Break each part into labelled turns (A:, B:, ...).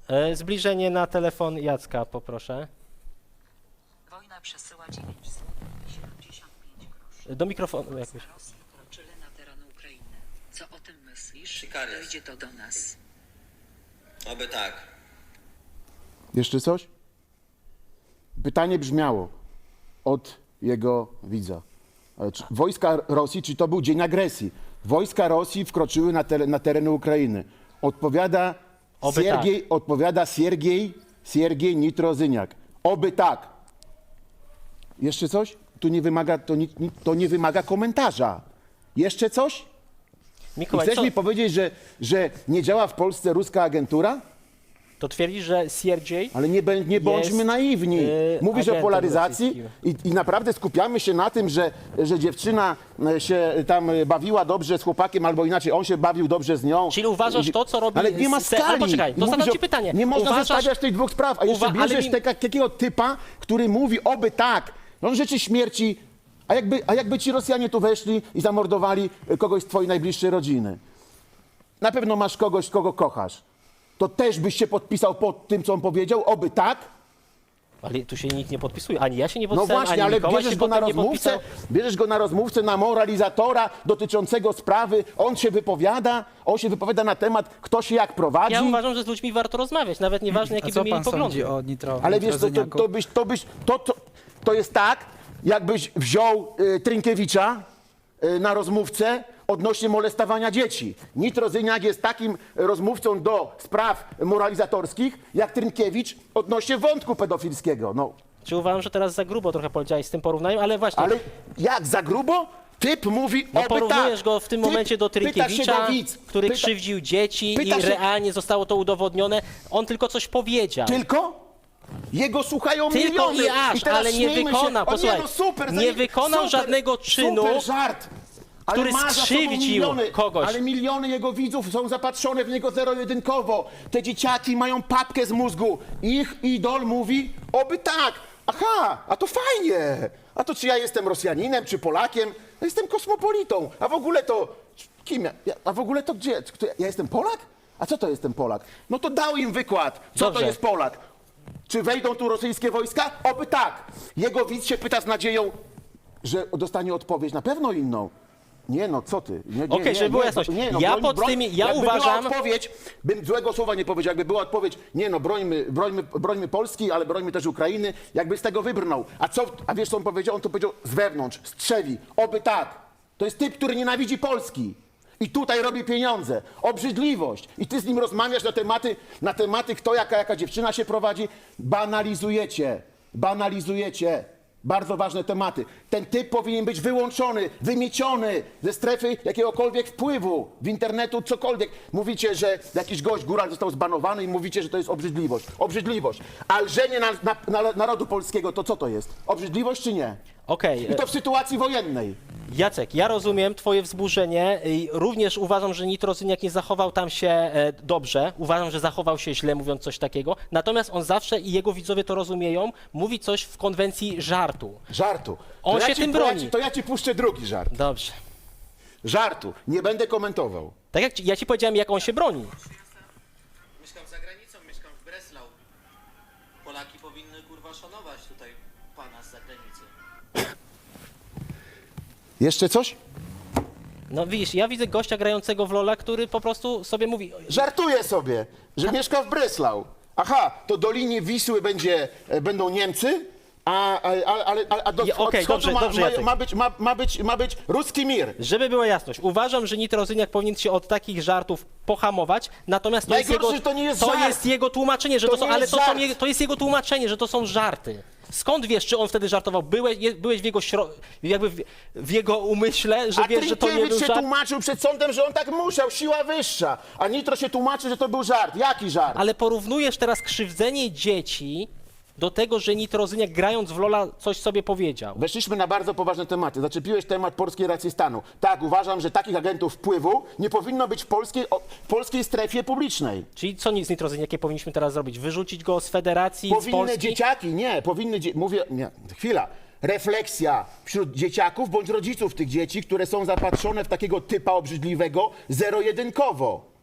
A: Zbliżenie na telefon Jacka, poproszę.
B: Wojna przesyła 975 groszy.
A: Do mikrofonu jakoś.
B: Rosji wkroczyli na teren Ukrainy. Co o tym myślisz?
C: Sikaria.
B: Dojdzie to do nas.
C: Oby tak.
D: Jeszcze coś? Pytanie brzmiało od jego widza. Wojska Rosji, czy to był dzień agresji? Wojska Rosji wkroczyły na tereny Ukrainy. Odpowiada
A: Oby
D: Siergiej, odpowiada Siergiej Nitrozyniak. Oby tak. Jeszcze coś? Tu nie wymaga, to nie wymaga komentarza. Jeszcze coś? I
A: Mikołaj,
D: chcesz
A: co,
D: mi powiedzieć, że nie działa w Polsce ruska agentura?
A: to twierdzisz, że Sierdziej
D: Ale nie bądźmy naiwni. Mówisz o
A: agentem
D: polaryzacji i naprawdę skupiamy się na tym, że dziewczyna się tam bawiła dobrze z chłopakiem, albo inaczej, on się bawił dobrze z nią.
A: Czyli uważasz to, co robi...
D: Ale nie ma skali.
A: Ale poczekaj, to
D: Mówisz
A: zadam ci pytanie.
D: Nie można
A: Uważasz-
D: zestawiać tych dwóch spraw, a jeszcze
A: ale
D: bierzesz takiego typa, który mówi oby tak. On życzy śmierci, a jakby ci Rosjanie tu weszli i zamordowali kogoś z twojej najbliższej rodziny. Na pewno masz kogoś, kogo kochasz. To też byś się podpisał pod tym, co on powiedział? Oby tak?
A: Ale tu się nikt nie podpisuje. Ani ja się nie
D: No
A: podpisałem,
D: właśnie,
A: ani
D: ale
A: Mikołaj się potem nie podpisał.
D: bierzesz go na rozmówcę, na moralizatora dotyczącego sprawy. On się wypowiada na temat, kto się jak prowadzi.
A: Ja uważam, że z ludźmi warto rozmawiać, nawet nieważne,
E: A
A: jakie
E: co
A: by mieli
E: pan
A: poglądy.
E: sądzi o
D: Ale wiesz, to jest tak, jakbyś wziął Trynkiewicza na rozmówcę odnośnie molestowania dzieci. Nitrozyniak jest takim rozmówcą do spraw moralizatorskich, jak Trynkiewicz odnośnie wątku pedofilskiego. No,
A: Czy uważam, że teraz za grubo trochę powiedziałeś z tym porównaniem, ale właśnie...
D: ale jak za grubo? Typ mówi
A: No
D: oby
A: porównujesz
D: tak.
A: go w tym
D: Typ,
A: momencie do
D: pyta się
A: Trynkiewicza,
D: go widz.
A: który krzywdził dzieci i
D: pyta się-
A: realnie zostało to udowodnione. On tylko coś powiedział.
D: Tylko? Jego słuchają
A: Tylko
D: miliony.
A: i aż,
D: teraz
A: ale nie
D: śmiejmy
A: wykonał,
D: się. O
A: posłuchaj,
D: nie, no super,
A: nie wykonał żadnego czynu,
D: super żart. Ale
A: który
D: ma za sobą
A: skrzywdził
D: miliony,
A: kogoś.
D: Ale miliony jego widzów są zapatrzone w niego zero-jedynkowo. Te dzieciaki mają papkę z mózgu. Ich idol mówi, oby tak. Aha, a to fajnie. A to czy ja jestem Rosjaninem, czy Polakiem? Ja jestem kosmopolitą. A w ogóle to... Kim ja? A w ogóle to gdzie? Ja jestem Polak? A co to jestem Polak? No to dał im wykład. Co
A: Dobrze.
D: to jest Polak? Czy wejdą tu rosyjskie wojska? Oby tak. Jego widz się pyta z nadzieją, że dostanie odpowiedź na pewno inną. Nie no, co ty?
A: Okej, żeby była jasność. Ja
D: jakby
A: uważam-
D: była odpowiedź, bym złego słowa nie powiedział, jakby była odpowiedź, nie no, brońmy Polski, ale brońmy też Ukrainy, jakby z tego wybrnął. A wiesz co on powiedział? On to powiedział z wewnątrz, strzeli. Oby tak. To jest typ, który nienawidzi Polski. I tutaj robi pieniądze, obrzydliwość. I ty z nim rozmawiasz na tematy kto, jaka dziewczyna się prowadzi. Banalizujecie. Bardzo ważne tematy. Ten typ powinien być wyłączony, wymieciony ze strefy jakiegokolwiek wpływu w internetu, cokolwiek. Mówicie, że jakiś gość, góral został zbanowany i mówicie, że to jest obrzydliwość. Obrzydliwość. A lżenie narodu polskiego, to co to jest? Obrzydliwość czy nie?
A: Okej,
D: I to w sytuacji wojennej.
A: Jacek, ja rozumiem twoje wzburzenie i również uważam, że Nitrozyniak nie zachował tam się dobrze. Uważam, że zachował się źle, mówiąc coś takiego. Natomiast on zawsze, i jego widzowie to rozumieją, mówi coś w konwencji żartu.
D: Żartu.
A: On
D: To
A: się tym broni.
D: To ja ci puszczę drugi żart.
A: Dobrze.
D: Żartu. Nie będę komentował.
A: Tak jak ja ci powiedziałem, jak on się broni.
C: Mieszkam za granicą, mieszkam w Breslau. Polaki powinny kurwa szanować tutaj pana z zagranicy.
D: Jeszcze coś?
A: No widzisz, ja widzę gościa grającego w Lola, który po prostu sobie mówi...
D: Żartuję sobie, że mieszka w Breslau. Aha, to do linii Wisły będą Niemcy, a do
A: Okej,
D: wschodu
A: dobrze, Jacek.
D: ma być ruski mir.
A: Żeby była jasność, uważam, że Nitrozyniak powinien się od takich żartów pohamować, natomiast to jest
D: Najgorsze,
A: jego,
D: że to nie jest żart.
A: jest jego tłumaczenie, że
D: To
A: to są,
D: nie
A: ale
D: jest
A: to, są
D: żart.
A: to jest jego tłumaczenie, że to są żarty. Skąd wiesz, czy on wtedy żartował? Byłeś w jego jakby w jego umyśle, że
D: A
A: wiesz, że to nie był
D: Trynkiewicz się
A: żart?
D: tłumaczył przed sądem, że on tak musiał, siła wyższa. A Nitro się tłumaczy, że to był żart. Jaki żart?
A: Ale porównujesz teraz krzywdzenie dzieci do tego, że Nitrozyniak grając w Lola coś sobie powiedział.
D: Weszliśmy na bardzo poważne tematy. Zaczepiłeś temat polskiej racji stanu. Tak, uważam, że takich agentów wpływu nie powinno być w polskiej strefie publicznej.
A: Czyli co z Nitrozyniakiem powinniśmy teraz zrobić? Wyrzucić go z federacji, z
D: Powinny
A: Polski?
D: dzieciaki, nie, powinny, mówię, nie, chwila. Refleksja wśród dzieciaków bądź rodziców tych dzieci, które są zapatrzone w takiego typa obrzydliwego zero-jedynkowo.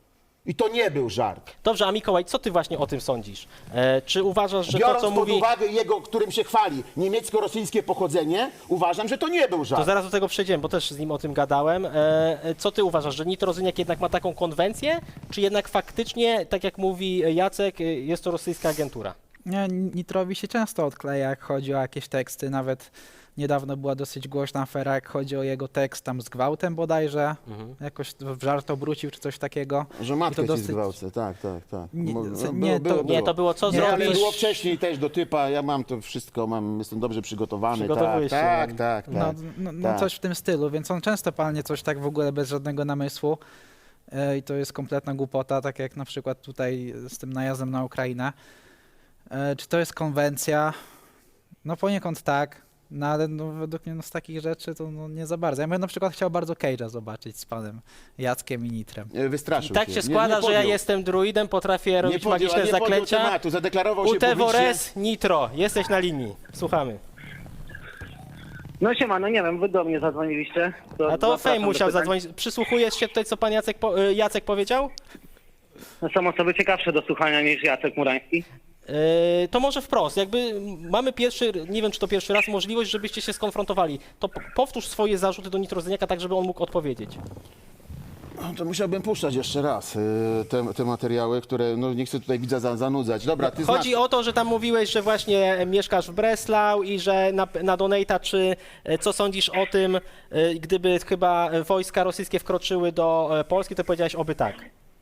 D: I to nie był żart.
A: Dobrze, a Mikołaj, co ty właśnie o tym sądzisz? Czy uważasz, że
D: Biorąc
A: to, co
D: pod
A: mówi...
D: uwagę jego, którym się chwali, niemiecko-rosyjskie pochodzenie, uważam, że to nie był żart.
A: To zaraz do tego przejdziemy, bo też z nim o tym gadałem. Co ty uważasz, że Nitrozyniak jednak ma taką konwencję, czy jednak faktycznie, tak jak mówi Jacek, jest to rosyjska agentura?
E: Nie, Nitrowi się często odkleja, jak chodzi o jakieś teksty. Nawet niedawno była dosyć głośna afera, jak chodzi o jego tekst tam z gwałtem bodajże. Jakoś w żart obrócił czy coś takiego.
D: Że
E: I
D: matkę
E: to
D: ci
E: dosyć-
D: zgwałcę, tak.
E: Nie,
D: No,
E: nie,
A: Nie, to było co
E: Nie,
D: Ale
A: zrobisz...
D: było wcześniej też do typa, ja mam to wszystko, jestem dobrze przygotowany.
A: Przygotowujesz się,
D: Tak.
E: No coś w tym stylu, więc on często palnie coś tak w ogóle bez żadnego namysłu. I to jest kompletna głupota, tak jak na przykład tutaj z tym najazdem na Ukrainę. Czy to jest konwencja? No poniekąd tak, no ale no, według mnie no, z takich rzeczy to no, nie za bardzo. Ja bym na przykład chciał bardzo Cage'a zobaczyć z panem Jackiem i Nitrem.
D: Wystraszył
A: Tak się składa, że ja jestem druidem, potrafię robić magiczne zaklęcia.
D: Tematu, zadeklarował się publicznie.
A: Utevores Nitro, jesteś na linii. Słuchamy.
F: No siema, no nie wiem, wy do mnie zadzwoniliście.
A: A to
F: zapraszam
A: Fame
F: do
A: musiał
F: pytań.
A: zadzwonić. Przysłuchujesz się tutaj, co pan Jacek powiedział?
F: No, są osoby ciekawsze do słuchania niż Jacek Murański.
A: To może wprost, jakby mamy pierwszy, nie wiem czy to pierwszy raz, możliwość, żebyście się skonfrontowali. To powtórz swoje zarzuty do Nitrozyniaka, tak żeby on mógł odpowiedzieć.
D: To musiałbym puszczać jeszcze raz te materiały, które no, nie chcę tutaj widza zanudzać. Dobra, ty
A: Chodzi
D: znasz.
A: o to, że tam mówiłeś, że właśnie mieszkasz w Breslau i że na Donate'a, czy co sądzisz o tym, gdyby chyba wojska rosyjskie wkroczyły do Polski, to powiedziałeś oby tak.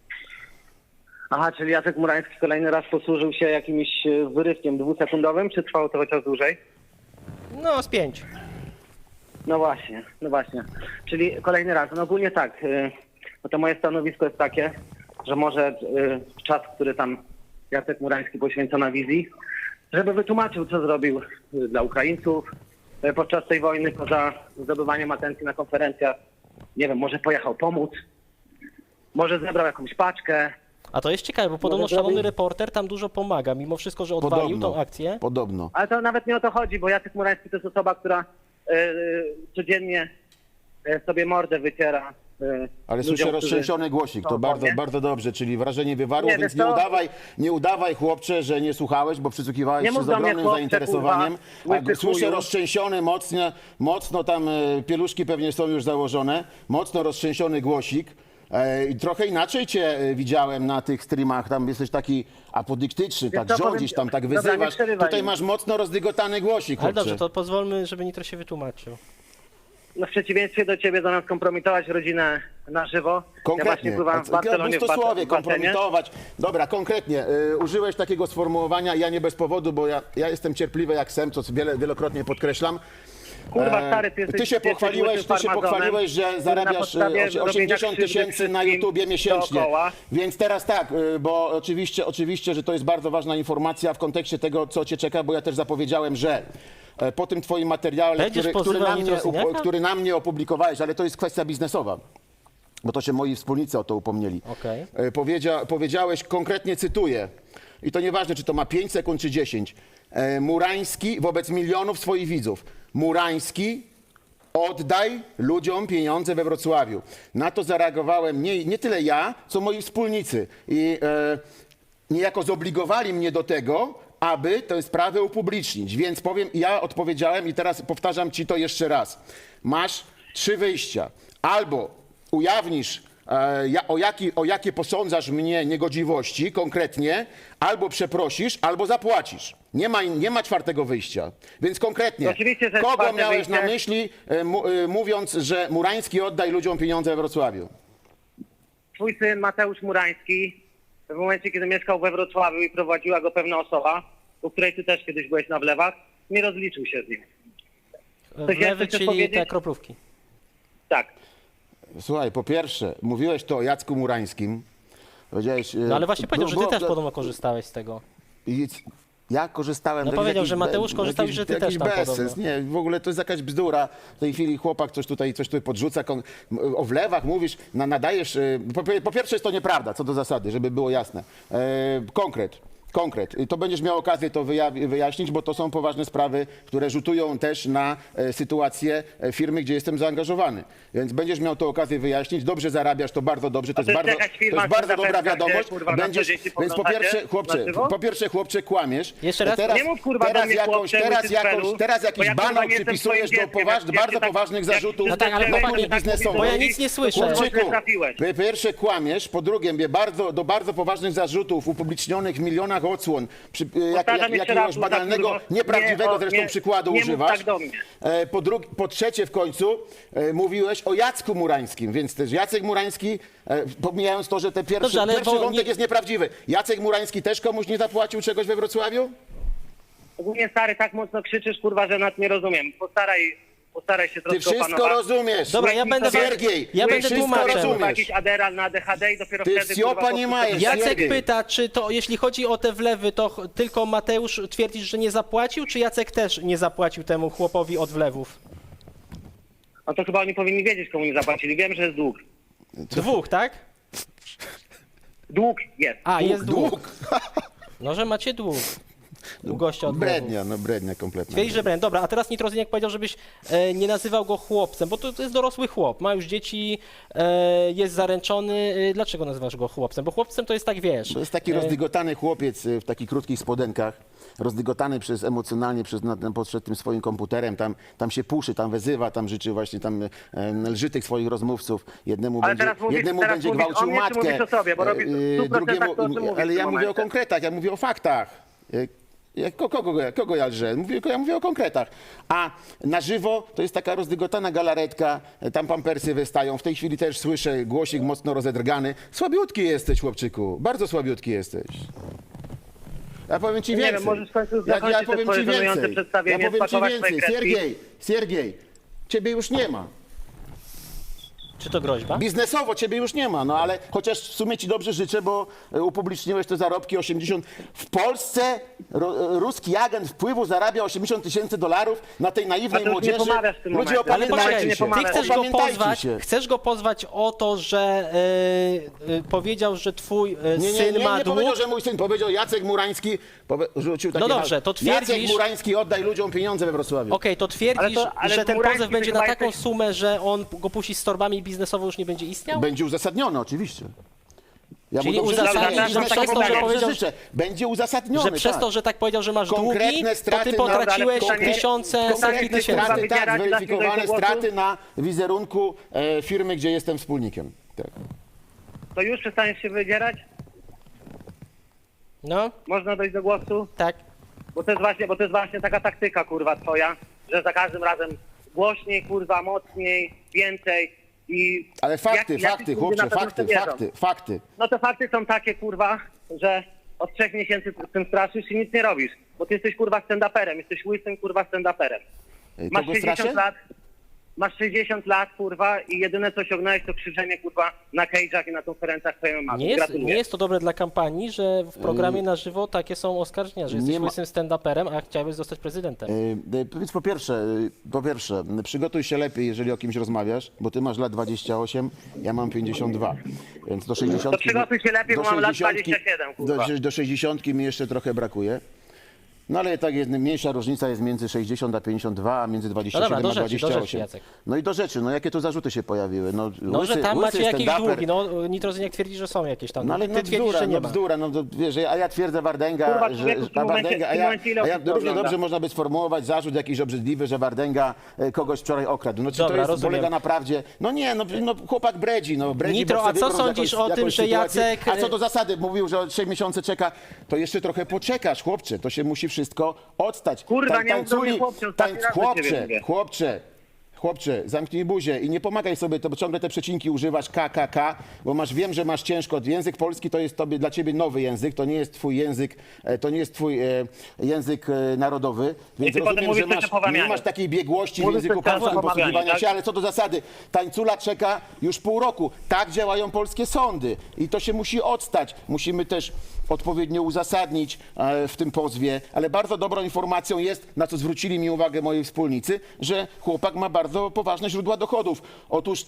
F: Aha, czyli Jacek Murański kolejny raz posłużył się jakimś wyrywkiem dwusekundowym, czy trwało to chociaż dłużej?
A: No, z 5.
F: No właśnie. Czyli kolejny raz. No ogólnie tak, no to moje stanowisko jest takie, że może czas, który tam Jacek Murański poświęca na wizji, żeby wytłumaczył, co zrobił dla Ukraińców podczas tej wojny, poza zdobywaniem atencji na konferencjach. Nie wiem, może pojechał pomóc, może zebrał jakąś paczkę.
A: A to jest ciekawe, bo podobno
F: Może
A: szalony
F: zrobić?
A: reporter tam dużo pomaga, mimo wszystko, że odwalił tą akcję.
D: Podobno.
F: Ale to nawet nie o to chodzi, bo Jacek Murański to jest osoba, która codziennie sobie mordę wyciera.
D: Ale
F: ludziom,
D: słyszę
F: którzy
D: roztrzęsiony głosik, to
F: są
D: bardzo,
F: w
D: bardzo dobrze, czyli wrażenie wywarło,
F: Nie,
D: więc
F: wiesz co?
D: nie udawaj chłopcze, że nie słuchałeś, bo przysłuchiwałeś
F: Nie
D: się
F: mów
D: z
F: do mnie,
D: ogromnym
F: chłopcze,
D: zainteresowaniem.
F: kurwa,
D: A
F: łysy
D: słyszę
F: chuju.
D: roztrzęsiony, mocno tam pieluszki pewnie są już założone, mocno roztrzęsiony głosik. I trochę inaczej cię widziałem na tych streamach, tam jesteś taki apodyktyczny,
F: Wiesz
D: tak
F: co, powiem
D: rządzisz,
F: ci-
D: tam tak
F: Dobra, nie
D: wyzywasz.
F: przerywaj
D: Tutaj
F: mi.
D: masz mocno rozdygotany głosik,
A: Ale
D: chłopcze.
A: dobrze, to pozwólmy, żeby Nitro się wytłumaczył.
F: No w przeciwieństwie do ciebie zamiast kompromitować rodzinę na żywo, ja właśnie
D: Konkretnie.
F: pływałem w Barcelonie w
D: Pustosłowie,
F: w basenie.
D: kompromitować. Dobra, konkretnie. Użyłeś takiego sformułowania, ja nie bez powodu, bo ja jestem cierpliwy jak sem, co wielokrotnie podkreślam.
F: Kurwa stary, ty jesteś...
D: Ty się pochwaliłeś, że zarabiasz 80 000 na YouTubie miesięcznie.
F: Dookoła.
D: Więc teraz tak, bo oczywiście, że to jest bardzo ważna informacja w kontekście tego, co cię czeka, bo ja też zapowiedziałem, że po tym twoim materiale,
A: Będziesz pozywał Nitrozyniaka?
D: który na mnie opublikowałeś, ale to jest kwestia biznesowa, bo to się moi wspólnicy o to upomnieli.
A: Okej.
D: Powiedziałeś, konkretnie cytuję, i to nieważne, czy to ma 5 sekund, czy 10. Murański wobec milionów swoich widzów. Murański, oddaj ludziom pieniądze we Wrocławiu. Na to zareagowałem nie tyle ja, co moi wspólnicy. I niejako zobligowali mnie do tego, aby tę sprawę upublicznić. Więc ja odpowiedziałem i teraz powtarzam ci to jeszcze raz. Masz 3 wyjścia. Albo ujawnisz o jakie posądzasz mnie niegodziwości konkretnie, albo przeprosisz, albo zapłacisz. Nie ma 4. wyjścia. Więc konkretnie,
F: Oczywiście, że jest
D: kogo
F: 4.
D: miałeś na
F: wyjście.
D: myśli, mówiąc, że Murański oddaj ludziom pieniądze we Wrocławiu?
F: Twój syn Mateusz Murański, w momencie, kiedy mieszkał we Wrocławiu i prowadziła go pewna osoba, u której ty też kiedyś byłeś na wlewach, nie rozliczył się z nim.
A: Wlewy,
F: jeszcze chcesz
A: czyli
F: powiedzieć?
A: te kroplówki.
F: Tak.
D: Słuchaj, po pierwsze, mówiłeś to o Jacku Murańskim. Powiedziałeś,
A: No ale właśnie powiedział, że ty
D: było-
A: też podobno korzystałeś z tego.
D: Ja korzystałem...
A: No
D: to jest
A: powiedział,
D: jakiś
A: że Mateusz korzystał i że ty
D: jakiś
A: też tam
D: bezsens.
A: podobno.
D: Nie, w ogóle to jest jakaś bzdura. W tej chwili chłopak coś tutaj podrzuca. O wlewach mówisz, nadajesz... Po pierwsze jest to nieprawda, co do zasady, żeby było jasne. Konkret. Konkret. To będziesz miał okazję to wyjaśnić, bo to są poważne sprawy, które rzutują też na sytuację firmy, gdzie jestem zaangażowany. Więc będziesz miał to okazję wyjaśnić. Dobrze zarabiasz, to bardzo dobrze. To jest
F: jest
D: bardzo,
F: jakaś
D: to
F: firma,
D: jest bardzo
F: która
D: dobra
F: zapewnia,
D: wiadomość.
F: że, kurwa, na
D: Będziesz,
F: co dzień się
D: więc
F: podglądacie na żywo?
D: chłopcze, kłamiesz.
A: Jeszcze raz?
F: Nie mów, kurwa, do mnie, chłopcze,
D: Teraz
F: bo
D: jakiś
F: ja, kurwa,
D: banał
F: nie jestem
D: przypisujesz
F: twoim
D: do
F: dzieckiem,
D: bardzo
F: tak-
D: poważnych
F: jak-
D: zarzutów.
A: No tak, ale
F: jak-
A: chłopaki,
F: jak- tak
D: biznesowych.
A: bo ja nic nie słyszę.
F: Chłopczyku, źle trafiłeś.
D: Po pierwsze kłamiesz, po drugie do bardzo poważnych zarzutów upublicznionych w milionach odsłon,
F: Powtarzam jeszcze
D: jakiegoś
F: raz,
D: banalnego,
F: kurwa,
D: nieprawdziwego
F: nie,
D: zresztą
F: nie,
D: przykładu
F: nie mów
D: używasz.
F: tak do mnie.
D: Po trzecie w końcu mówiłeś o Jacku Murańskim, więc też Jacek Murański, pomijając to, że ten
A: Dobrze, ale
D: pierwszy
A: bo
D: wątek
A: nie-
D: jest nieprawdziwy. Jacek Murański też komuś nie zapłacił czegoś we Wrocławiu?
F: Ogólnie, stary, tak mocno krzyczysz, kurwa, że nas nie rozumiem. Postaraj się
D: Ty
F: troszkę
D: wszystko
F: opanować.
D: rozumiesz.
A: Dobra, ja będę
D: Siergiej,
A: ja
D: ty
A: będę
D: wszystko
A: tłumaczem.
F: Kurwa,
D: rozumiesz.
F: jakiś Adderall na ADHD i dopiero
D: Ty
F: wtedy...
D: wsiopa
F: kurwa,
D: nie
F: po
D: majesz.
F: prostu-
A: Jacek
D: Siergiej.
A: pyta, czy to, jeśli chodzi o te wlewy, to tylko Mateusz twierdzisz, że nie zapłacił, czy Jacek też nie zapłacił temu chłopowi od wlewów?
F: No to chyba oni powinni wiedzieć, komu nie zapłacili. Wiem, że jest dług.
A: Dwóch, tak?
F: Dług jest.
A: A, jest dług.
D: Dług.
A: No, że macie dług. U gościa od wlewów.
D: Brednia kompletna.
A: Twierdzi, że brand. Dobra, a teraz Nitrozyniak powiedział, żebyś nie nazywał go chłopcem, bo to jest dorosły chłop, ma już dzieci, jest zaręczony. Dlaczego nazywasz go chłopcem? Bo chłopcem to jest tak, wiesz...
D: To jest taki rozdygotany chłopiec w takich krótkich spodenkach, rozdygotany emocjonalnie przed tym swoim komputerem, tam się puszy, tam wezywa, tam życzy właśnie, tam lży tych swoich rozmówców. Jednemu
F: Ale
D: będzie,
F: teraz mówisz-
D: jednemu
F: teraz
D: będzie
F: mówisz
D: gwałcił
F: o mnie, czy
D: matkę,
F: mówisz o sobie? Bo robisz w 100% to, o czym mówisz
D: ale
F: w
D: ja
F: tym
D: mówię o
F: momencie.
D: konkretach, ja mówię o faktach. Kogo ja lżę? Mówię o konkretach. A na żywo to jest taka rozdygotana galaretka, tam pampersy wystają. W tej chwili też słyszę głosik mocno rozedrgany. Słabiutki jesteś, chłopczyku, bardzo słabiutki jesteś. Ja powiem ci
F: Nie
D: więcej.
F: wiem, możesz w końcu zakończyć te
D: powiem
F: swoje
D: ci
F: żenujące
D: więcej.
F: przedstawienie,
D: Ja powiem ci
F: spakować swoje
D: więcej.
F: kredki.
D: Siergiej, ciebie już nie ma.
A: Czy to groźba?
D: Biznesowo ciebie już nie ma, no ale chociaż w sumie ci dobrze życzę, bo upubliczniłeś te zarobki 80. W Polsce ruski agent wpływu zarabia $80,000 na tej naiwnej
F: A to już nie
D: młodzieży.
F: pomawiasz w tym
D: Ludzie,
F: momencie.
A: Ale
F: Pamiętajcie,
A: poczekaj,
F: nie
A: ty
F: pomawiaj.
A: chcesz go pozwać o to, że powiedział, że twój syn ma
D: nie
A: dług?
D: powiedział, że mój syn, powiedział Jacek Murański, rzucił takie
A: No dobrze, to
D: Jacek
A: twierdzisz-
D: Murański, oddaj ludziom pieniądze we Wrocławiu.
A: Okej, to twierdzisz,
F: ale
A: że ten
F: Murański
A: pozew będzie na
F: chyba
A: taką
F: jesteś-
A: sumę, że on go puści z torbami i biznesowo już nie będzie istniał?
D: Będzie uzasadnione, oczywiście. Ja
A: Czyli
D: mu dobrze
A: uzasadnisz,
D: życzę,
F: że
D: biznesowo
F: przez to,
D: mu
F: że
D: dobrze
A: powiedział,
D: życzę. Będzie uzasadnione,
A: Że przez to, że tak powiedział, że masz
D: Konkretne
A: długi, to ty
D: straty
A: potraciłeś
F: na- ale
A: tysiące, setki
D: Konkretne
A: tysięcy.
D: straty, tak,
F: Wybierać,
D: zweryfikowane
F: dać mi do głosu?
D: straty na wizerunku firmy, gdzie jestem wspólnikiem. Tak.
F: To już przestaniesz się wydzierać?
A: No,
F: Można dojść do głosu?
A: tak.
F: Bo to jest właśnie taka taktyka, kurwa, twoja, że za każdym razem głośniej, kurwa, mocniej, więcej i...
D: Ale fakty,
F: jacyś
D: fakty,
F: ludzie
D: chłopcze,
F: na to
D: fakty,
F: wierzą.
D: fakty.
F: No to fakty są takie, kurwa, że od 3 miesięcy z tym straszysz i nic nie robisz. Bo ty jesteś, kurwa, stand-uperem, jesteś łysym, kurwa, stand-uperem. Masz
D: Kogo straszę?
F: Masz 60 lat, kurwa, i jedyne co osiągnąłeś to krzyczenie, kurwa, na cage'ach i na konferencjach twojej mamy.
A: Nie jest to dobre dla kampanii, że w programie na żywo takie są oskarżenia, że jesteś
D: nie ma-
A: łysym stand-uperem, a chciałbyś zostać prezydentem.
D: Więc po pierwsze, przygotuj się lepiej, jeżeli o kimś rozmawiasz, bo ty masz lat 28, ja mam 52, więc do 60...
F: To przygotuj się lepiej, bo mam lat 27, kurwa.
D: Do 60 mi jeszcze trochę brakuje. No ale tak jest, mniejsza różnica jest między 60 a 52, a między 27
A: No dobra,
D: a
A: do rzeczy,
D: 28.
A: Jacek.
D: No i do rzeczy, no jakie tu zarzuty się pojawiły?
A: No, że tam macie jakieś
D: stand-uper.
A: długi, no Nitrozyniak twierdzi, że są jakieś tam
D: No ale
A: długi. Ty twierdzisz, że nie ma.
D: bzdura, no to wiesz, a ja twierdzę Wardęga,
F: Kurwa,
D: że
F: człowieku, w tym momencie-
D: a
F: w tym momencie ile
D: ja
F: osób to
D: równie
F: ogląda?
D: dobrze można by sformułować zarzut jakiś obrzydliwy, że Wardęga kogoś wczoraj okradł. No czy
A: Dobra,
D: to jest,
A: rozumiem.
D: polega na prawdzie? No nie, no chłopak bredzi,
A: Nitro,
D: bo chce
A: a co
D: wybrnąć
A: sądzisz
D: jakąś
A: o tym, że
D: sytuację.
A: Jacek-
D: A co do zasady, mówił, że 3 miesiące czeka, to jeszcze trochę poczekasz, chłopcze, to się musi wszystko odstać.
F: Kurwa, nie mów do mnie, chłopcze, ostatni raz do ciebie mówię.
D: Chłopcze, zamknij buzię i nie pomagaj sobie, to bo ciągle te przecinki używasz KKK, bo wiem, że masz ciężko. Język polski to jest dla ciebie nowy język, to nie jest twój język, język narodowy, więc
F: ty potem
D: rozumiem,
F: mówisz
D: że
F: coś o powamianiu.
D: nie masz takiej biegłości w
F: Mówisz
D: języku
F: coś teraz
D: polskim
F: o powamianiu,
D: posługiwania
F: tak?
D: się, ale co do zasady, tańcula czeka już pół roku. Tak działają polskie sądy i to się musi odstać. Musimy też odpowiednio uzasadnić w tym pozwie, ale bardzo dobrą informacją jest, na co zwrócili mi uwagę moi wspólnicy, że chłopak ma bardzo poważne źródła dochodów. Otóż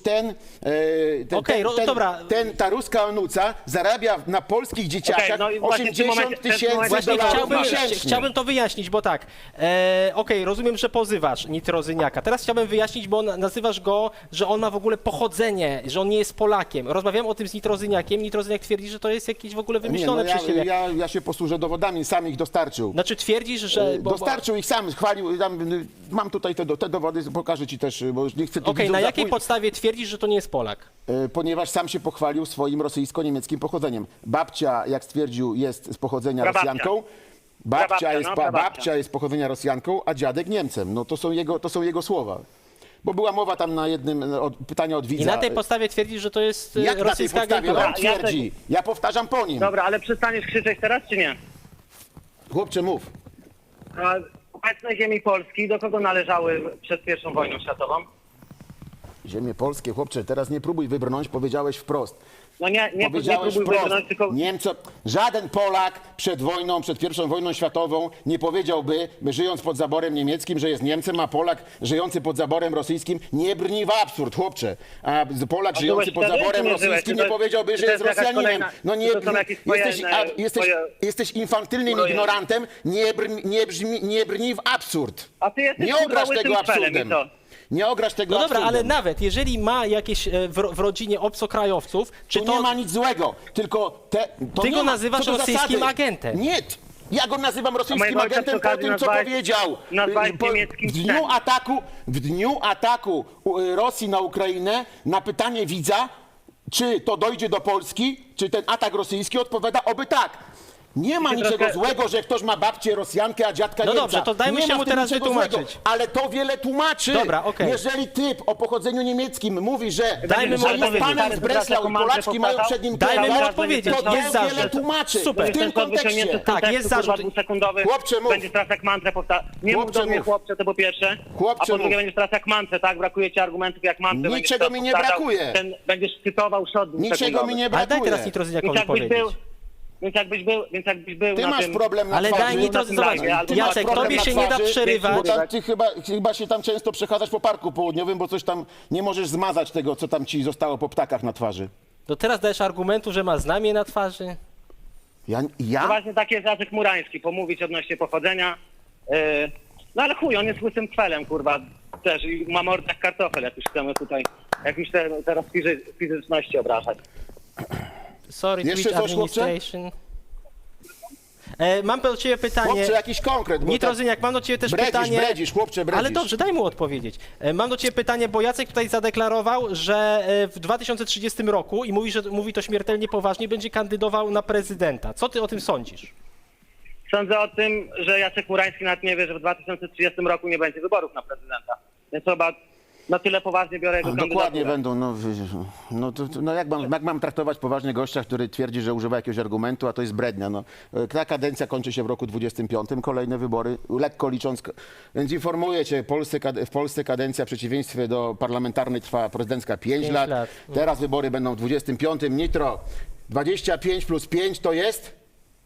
A: dobra.
D: ta ruska onuca zarabia na polskich dzieciakach
F: no i właśnie w tym
D: 80
F: momencie- w tym
D: tysięcy
F: momencie
D: dolarów
F: chciałbym-
D: miesięcznie.
A: to wyjaśnić, bo tak, okej, rozumiem, że pozywasz Nitrozyniaka. Teraz chciałbym wyjaśnić, bo nazywasz go, że on ma w ogóle pochodzenie, że on nie jest Polakiem. Rozmawiałem o tym z Nitrozyniakiem. Nitrozyniak twierdzi, że to jest jakieś w ogóle wymyślone
D: Nie, no
A: przez ciebie.
D: ja się posłużę dowodami, sam ich dostarczył.
A: Znaczy twierdzisz, że...
D: Dostarczył ich sam, chwalił, mam tutaj te dowody, pokażę ci też, bo już nie chcę tu
A: Okej,
D: widzów
A: na jakiej
D: zapój-
A: podstawie twierdzisz, że to nie jest Polak?
D: Ponieważ sam się pochwalił swoim rosyjsko-niemieckim pochodzeniem. Babcia, jak stwierdził, jest z pochodzenia
F: Prababcia.
D: Rosjanką.
F: Prababcia,
D: Babcia
F: prababcia.
D: jest z pochodzenia Rosjanką, a dziadek Niemcem. No to są jego słowa. Bo była mowa tam na jednym pytania od widza.
A: I na tej podstawie twierdzisz, że to jest
D: Jak na tej
A: rosyjska
D: podstawie
A: agentura?
D: on twierdzi? Ja powtarzam po nim.
F: Dobra, ale przestaniesz krzyczeć teraz, czy nie?
D: Chłopcze, mów.
F: A obecne ziemi Polski do kogo należały przed I wojną światową?
D: Ziemie polskie, chłopcze, teraz nie próbuj wybrnąć, powiedziałeś wprost.
F: No nie
D: Powiedziałeś
F: próbuj
D: wprost,
F: wybrnąć, tylko...
D: żaden Polak przed wojną, przed I wojną światową nie powiedziałby, żyjąc pod zaborem niemieckim, że jest Niemcem, a Polak żyjący pod zaborem rosyjskim nie brni w absurd, chłopcze. A Polak
F: A
D: żyjący
F: byłeś
D: pod
F: wtedy,
D: zaborem
F: czy nie byłeś?
D: rosyjskim
F: Czy to
D: nie powiedziałby,
F: czy
D: że
F: to
D: jest
F: jest jakaś
D: Rosjaninem.
F: kolejna-
D: No nie,
F: czy to są jakieś
D: jesteś infantylnym
F: swoje-
D: ignorantem, nie brni w absurd.
F: A ty jesteś
D: Nie ograsz
F: kurwa,
D: tego
F: łysym felem,
D: absurdem.
F: i co?
D: Nie ograsz tego
A: No dobra,
D: absurdem.
A: ale nawet jeżeli ma jakieś w rodzinie obcokrajowców, czy
D: To
A: to...
D: nie ma nic złego, tylko to
A: Ty
D: nie
A: go
D: ma,
A: nazywasz
D: co do
A: rosyjskim
D: zasady.
A: agentem.
D: Nie, ja go nazywam rosyjskim
F: mojego ojca
D: agentem
F: przy
D: po
F: okazji
D: tym, co
F: nazwałeś-
D: powiedział.
F: nazwałeś niemieckim
D: W dniu ataku Rosji na Ukrainę na pytanie widza, czy to dojdzie do Polski, czy ten atak rosyjski, odpowiada oby tak. Nie ma
F: Ty
D: niczego
F: trochę-
D: złego, że ktoś ma babcię Rosjankę, a dziadka
A: No
D: Niemca.
A: dobrze, to dajmy
D: Nie
A: się
D: ma
A: mu
D: w tym
A: teraz
D: niczego
A: wytłumaczyć.
D: złego, ale to wiele tłumaczy.
A: Dobra, okej.
D: Jeżeli typ o pochodzeniu niemieckim mówi, że
A: Dajmy mu
D: że jest
A: odpowiedzieć.
D: panem z Breslau i Polaczki mają przed nim
A: Dajmy mu
D: kierować,
A: odpowiedzieć.
D: to
A: Jest
D: wiele
A: zarzut.
D: tłumaczy.
A: Super.
D: W tym kontekście.
A: Tak, jest zarzut.
F: Dwusekundowy.
D: Chłopcze, mów.
F: Będziesz teraz jak mantrę powtarzać. Nie mów
D: Chłopcze,
F: do mnie
D: mów.
F: chłopcze, to po pierwsze.
D: Chłopcze,
F: a po drugie
D: mów.
F: będziesz teraz jak mantrę, tak? Brakuje ci argumentów jak mantrę. będziesz
D: Niczego
F: teraz
D: mi nie
F: powtarzał.
D: brakuje.
F: Będziesz cytował szot
D: Niczego mi nie
A: Ale daj
D: brakuje.
A: teraz Nitrozyniakowi
F: Więc jakbyś
A: powiedzieć.
F: był... Więc jakbyś był
D: Ty
F: na
D: masz
F: tym...
D: problem na
A: Ale
D: twarzy.
A: daj Nitro,
F: na tym
A: zobacz,
F: live, albo
D: Ty masz
A: Jacek,
D: problem
A: tobie
D: na
A: się nie da
D: twarzy,
A: przerywać.
D: Bo ty chyba się tam często przechadzasz po parku południowym, bo coś tam nie możesz zmazać tego, co tam ci zostało po ptakach na twarzy.
A: To teraz dajesz argumentu, że ma znamie na twarzy?
F: No
D: Ja?
F: właśnie taki jest Jacek Murański, pomówić odnośnie pochodzenia. No ale chuj, on jest łysym kwelem, kurwa, też i ma mordę jak kartofel, jak już chcemy tutaj, jak już teraz fizyczności obrażać.
A: Sorry,
D: Jeszcze
A: Twitch
D: coś, chłopcze?
A: Administration. Mam do ciebie pytanie.
D: Chłopcze, jakiś konkret. bo tak
A: Nitrozyniak, mam do ciebie też pytanie.
D: chłopcze, bredzisz.
A: Ale dobrze, daj mu odpowiedzieć. Mam do ciebie pytanie, bo Jacek tutaj zadeklarował, że w 2030 roku, i mówi to śmiertelnie poważnie, będzie kandydował na prezydenta. Co ty o tym sądzisz?
F: Sądzę o tym, że Jacek Murański nawet nie wie, że w 2030 roku nie będzie wyborów na prezydenta. Więc chyba na tyle poważnie biorę jego
D: Dokładnie
F: kandydaturę.
D: będą. Jak mam traktować poważnie gościa, który twierdzi, że używa jakiegoś argumentu, a to jest brednia. No. Ta kadencja kończy się w roku 25, kolejne wybory, lekko licząc. Więc informuję cię, w Polsce kadencja w przeciwieństwie do parlamentarnej trwa prezydencka 5 lat.
A: lat.
D: Teraz wybory będą w 25. Nitro, 25 plus 5 to jest?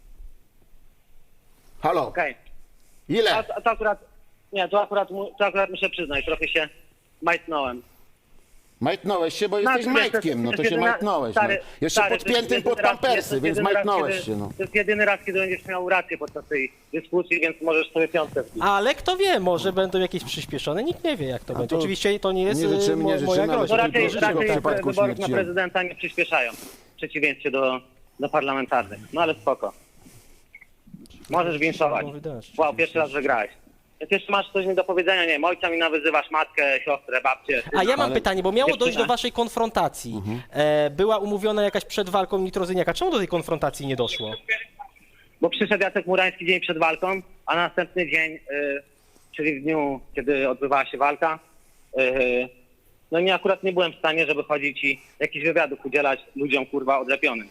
D: Halo,
F: Okej.
D: ile?
F: A to akurat... Nie, to akurat muszę przyznać, trochę się majtnąłem.
D: Majtnąłeś się, bo jesteś
F: wiesz,
D: majtkiem, no to się majtnąłeś. No. Jeszcze
F: stary,
D: podpiętym
F: to jest
D: pod
F: jedyny raz,
D: pampersy,
F: to
D: więc
F: jest jedyny raz,
D: majtnąłeś
F: kiedy-
D: się. No.
F: To jest jedyny raz, kiedy będziesz miał rację podczas tej dyskusji, więc możesz sobie piątkę wbić.
A: Ale kto wie, może będą jakieś przyspieszone, nikt nie wie jak to będzie.
D: to
A: Oczywiście to nie jest
D: nie życzymy, nie
A: moja
D: życzymy, ale
A: groźba.
F: No
D: żeby
F: raczej,
D: życzył w
F: raczej
D: przypadku
F: wyborów na
D: śmierci.
F: prezydenta nie przyspieszają, w przeciwieństwie do parlamentarnych. No ale spoko. Możesz winszować. Wow, pierwszy raz wygrałeś. Jak jeszcze masz coś mi do powiedzenia, nie wiem, ojca mi nawyzywasz, matkę, siostrę, babcię.
A: A ja mam
D: Ale-
A: pytanie, bo miało dojść do
F: Dziewczyna.
A: waszej konfrontacji. Była umówiona jakaś przed walką Nitrozyniaka. Czemu do tej konfrontacji nie doszło?
F: Bo przyszedł Jacek Murański dzień przed walką, a następny dzień, czyli w dniu, kiedy odbywała się walka, no nie, akurat nie byłem w stanie, żeby chodzić i jakichś wywiadów udzielać ludziom, kurwa, odlepionym.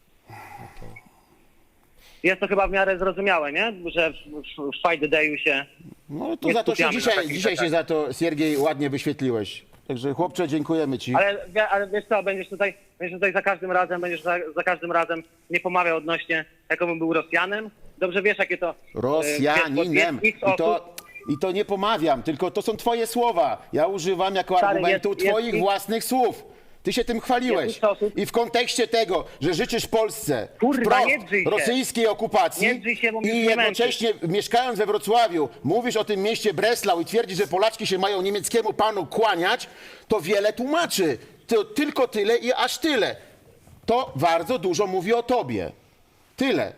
F: Jest to chyba w miarę zrozumiałe, nie? Że w Fight the Day'u się...
D: No to
F: Nie
D: za to się
F: skupiamy na takich
D: dzisiaj się
F: rzeczach.
D: za to, Siergiej, ładnie wyświetliłeś. Także chłopcze, dziękujemy ci.
F: Ale wiesz co, będziesz tutaj za każdym razem, za każdym razem nie pomawiał odnośnie, jakobym był Rosjanem. Dobrze wiesz, jakie to...
D: Rosjaninem.
F: wiesz,
D: I to nie pomawiam, tylko to są twoje słowa. Ja używam jako
F: Stary,
D: argumentu
F: jest
D: twoich własnych słów. Ty się tym chwaliłeś.
F: Jest osób-
D: I w kontekście tego, że życzysz Polsce
F: Kurwa,
D: wprost
F: nie drzyj się.
D: rosyjskiej okupacji
F: Nie drzyj się, bo mnie
D: i jednocześnie mieszkając we Wrocławiu mówisz o tym mieście Breslau i twierdzisz, że Polaczki się mają niemieckiemu panu kłaniać, to wiele tłumaczy. To tylko tyle i aż tyle. To bardzo dużo mówi o tobie. Tyle.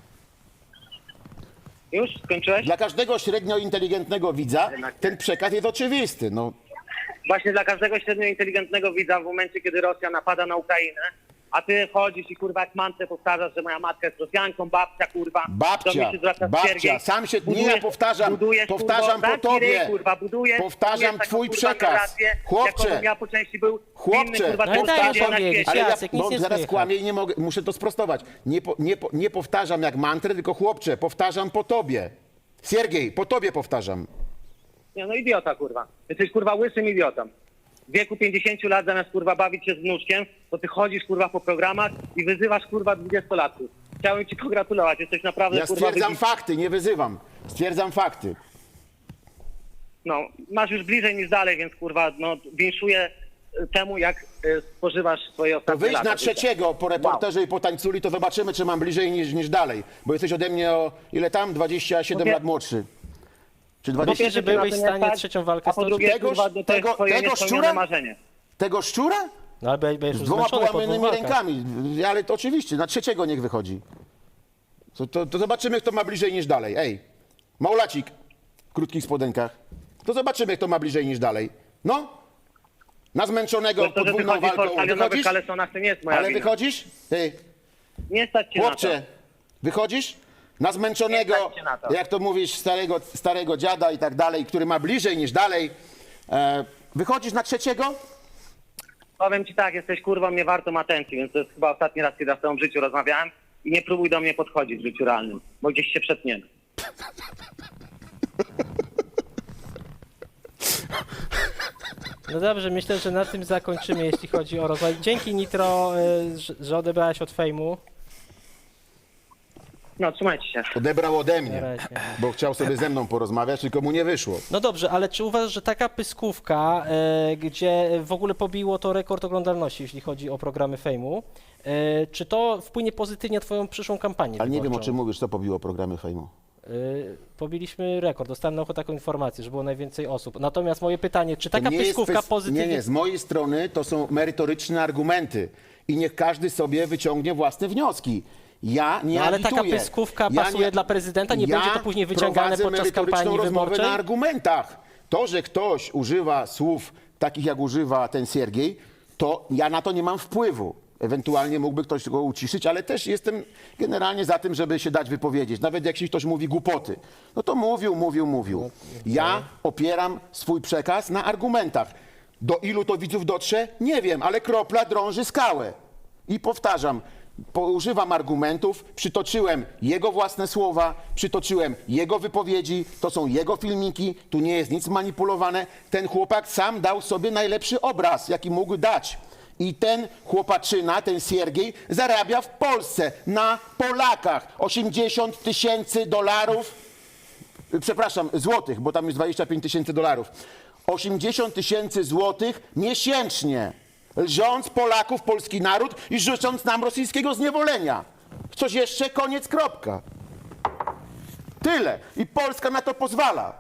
F: Już skończyłeś?
D: Dla każdego średnio inteligentnego widza ten przekaz jest oczywisty. No,
F: Właśnie dla każdego średnio inteligentnego widza w momencie, kiedy Rosja napada na Ukrainę, a ty chodzisz i kurwa jak mantrę powtarzasz, że moja matka jest Rosjanką, babcia kurwa. do mnie się zwraca Siergiej.
D: sam się, nie
F: Budujesz-
D: ja powtarzam,
F: budujesz,
D: powtarzam
F: kurwa,
D: po tobie,
F: ryj, kurwa, budujesz
D: powtarzam
F: taką,
D: twój
F: kurwa,
D: przekaz.
F: narrację,
D: Chłopcze,
F: jakobym ja po części był
D: chłopcze,
F: inny, kurwa,
A: no i daj
F: człowiek
A: mu
F: na
A: powiedzieć.
F: świecie.
D: ale ja
A: Jacek, nic
D: bo
A: nie
D: zaraz
A: słychać.
D: kłamię i nie mogę, muszę to sprostować. Nie powtarzam jak mantrę, tylko chłopcze, powtarzam po tobie. Siergiej, po tobie powtarzam.
F: Nie, no idiota, kurwa. Jesteś, kurwa, łysym idiotą. W wieku 50 lat zamiast, kurwa, bawić się z wnuczkiem, to ty chodzisz, kurwa, po programach i wyzywasz, kurwa, 20-latków. Chciałem ci pogratulować, jesteś naprawdę,
D: Ja
F: kurwa,
D: stwierdzam fakty, nie wyzywam. Stwierdzam fakty.
F: No, masz już bliżej niż dalej, więc, kurwa, no, winszuję temu, jak spożywasz swoje
D: To
F: ostatnie
D: wyjdź
F: lata
D: na
F: życia.
D: trzeciego po reporterze i po tańculi, to zobaczymy, czy mam bliżej niż dalej. Bo jesteś ode mnie o ile tam? 27
F: No
D: lat młodszy. Czy
F: Po
D: 20?
A: Myślisz, że
F: pierwsze,
A: byłeś
F: na
A: w
F: to nie
A: stanie
F: stać,
A: trzecią walkę
F: a po drugie,
A: stoczyć?
F: kurwa, to jest twoje
D: tego
F: niespełnione
D: szczura?
F: marzenie.
D: Tego szczura?
A: No ale będziesz
D: Z
A: już
D: dwoma
A: zmęczony po dwóch
D: połamanymi
A: walkach.
D: rękami. Ale to oczywiście, na trzeciego niech wychodzi. To zobaczymy, kto ma bliżej niż dalej. Ej, Maulacik w krótkich spodenkach. To zobaczymy, kto ma bliżej niż dalej. No, na zmęczonego
F: To, że ty
D: podwójną
F: chodzisz po
D: walką
F: stadionowych
D: wychodzisz?
F: kalesonach, to nie jest moja
D: Ale
F: wina.
D: wychodzisz? Ej,
F: Nie stać cię na
D: chłopcze,
F: to.
D: wychodzisz? Na zmęczonego,
F: Nie stać cię na to.
D: jak to mówisz, starego dziada i tak dalej, który ma bliżej niż dalej. Wychodzisz na trzeciego?
F: Powiem ci tak, jesteś kurwą nie wartą atencji, więc to jest chyba ostatni raz, kiedy ja z tobą w życiu rozmawiałem i nie próbuj do mnie podchodzić w życiu realnym, bo gdzieś się przetniemy.
A: No dobrze, myślę, że na tym zakończymy, jeśli chodzi o rozwój. Dzięki Nitro, że odebrałeś od fejmu.
F: No, trzymajcie się.
D: Odebrał ode
A: Na
D: mnie,
A: razie.
D: bo chciał sobie ze mną porozmawiać, tylko mu nie wyszło.
A: No dobrze, ale czy uważasz, że taka pyskówka, gdzie w ogóle pobiło to rekord oglądalności, jeśli chodzi o programy fejmu, czy to wpłynie pozytywnie na twoją przyszłą kampanię
D: Ale nie wiem, o
A: wyborczą?
D: czym mówisz, co pobiło programy fejmu.
A: Pobiliśmy rekord, dostałem na ucho taką informację, że było najwięcej osób. Natomiast moje pytanie, czy taka
D: To nie jest
A: pyskówka pozytywnie...
D: Nie, z mojej strony to są merytoryczne argumenty i niech każdy sobie wyciągnie własne wnioski. Ja nie
A: No, ale taka
D: agituję.
A: pyskówka pasuje dla prezydenta? Nie będzie to później wyciągane
D: prowadzę
A: podczas
D: merytoryczną
A: kampanii
D: rozmowę
A: wyborczej?
D: na argumentach. To, że ktoś używa słów takich, jak używa ten Siergiej, to ja na to nie mam wpływu. Ewentualnie mógłby ktoś go uciszyć, ale też jestem generalnie za tym, żeby się dać wypowiedzieć. Nawet jak ktoś mówi głupoty, no to mówił. Ja opieram swój przekaz na argumentach. Do ilu to widzów dotrze? Nie wiem, ale kropla drąży skałę. I powtarzam, używam argumentów, przytoczyłem jego własne słowa, przytoczyłem jego wypowiedzi, to są jego filmiki, tu nie jest nic manipulowane. Ten chłopak sam dał sobie najlepszy obraz, jaki mógł dać. I ten chłopaczyna, ten Siergiej, zarabia w Polsce, na Polakach, $80,000, przepraszam, złotych, bo tam jest $25,000. 80 000 złotych miesięcznie, lżąc Polaków, polski naród i życząc nam rosyjskiego zniewolenia. Coś jeszcze? Koniec, kropka. Tyle. I Polska na to pozwala.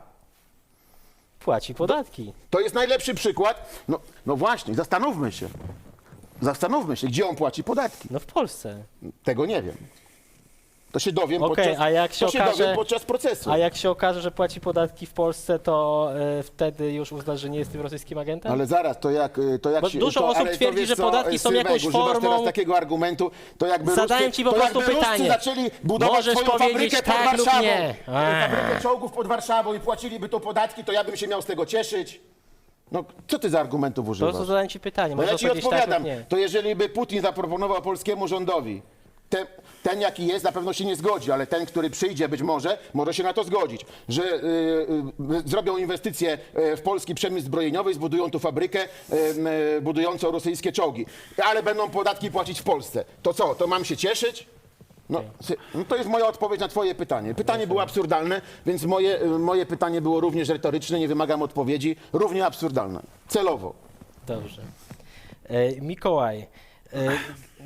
A: Płaci podatki.
D: To jest najlepszy przykład. No właśnie, zastanówmy się. Zastanówmy się, gdzie on płaci podatki.
A: No w Polsce.
D: Tego nie wiem. To się dowiem,
A: Okej, a jak się
D: dowiem podczas procesu.
A: A jak się okaże, że płaci podatki w Polsce, to wtedy już uznasz, że nie jest tym rosyjskim agentem?
D: Ale zaraz, to jak
A: Bo dużo osób
D: ale to
A: twierdzi,
D: wiesz
A: że
D: co,
A: podatki są
D: Sylwek,
A: jakąś
D: używasz
A: formą-
D: teraz takiego argumentu, to jakby
A: Zadałem
D: Ruscy,
A: ci po
D: to
A: prostu
D: jakby Ruscy
A: pytanie.
D: zaczęli budować
A: Możesz
D: swoją
A: powiedzieć
D: fabrykę pod
A: tak lub
D: Warszawą.
A: nie.
D: Fabrykę czołgów pod Warszawą i płaciliby to podatki, to ja bym się miał z tego cieszyć. No, co ty za argumentów
A: Po
D: używasz?
A: prostu zadałem ci pytanie.
D: No ja
A: Możesz
D: ci
A: powiedzieć tak
D: odpowiadam.
A: lub nie.
D: To jeżeli by Putin zaproponował polskiemu rządowi ten jaki jest, na pewno się nie zgodzi, ale ten, który przyjdzie być może się na to zgodzić, że zrobią inwestycje w polski przemysł zbrojeniowy, zbudują tu fabrykę budującą rosyjskie czołgi, ale będą podatki płacić w Polsce. To co, to mam się cieszyć? No to jest moja odpowiedź na twoje pytanie. Pytanie było absurdalne, więc moje pytanie było również retoryczne, nie wymagam odpowiedzi, równie absurdalne. Celowo.
A: Dobrze. Mikołaj,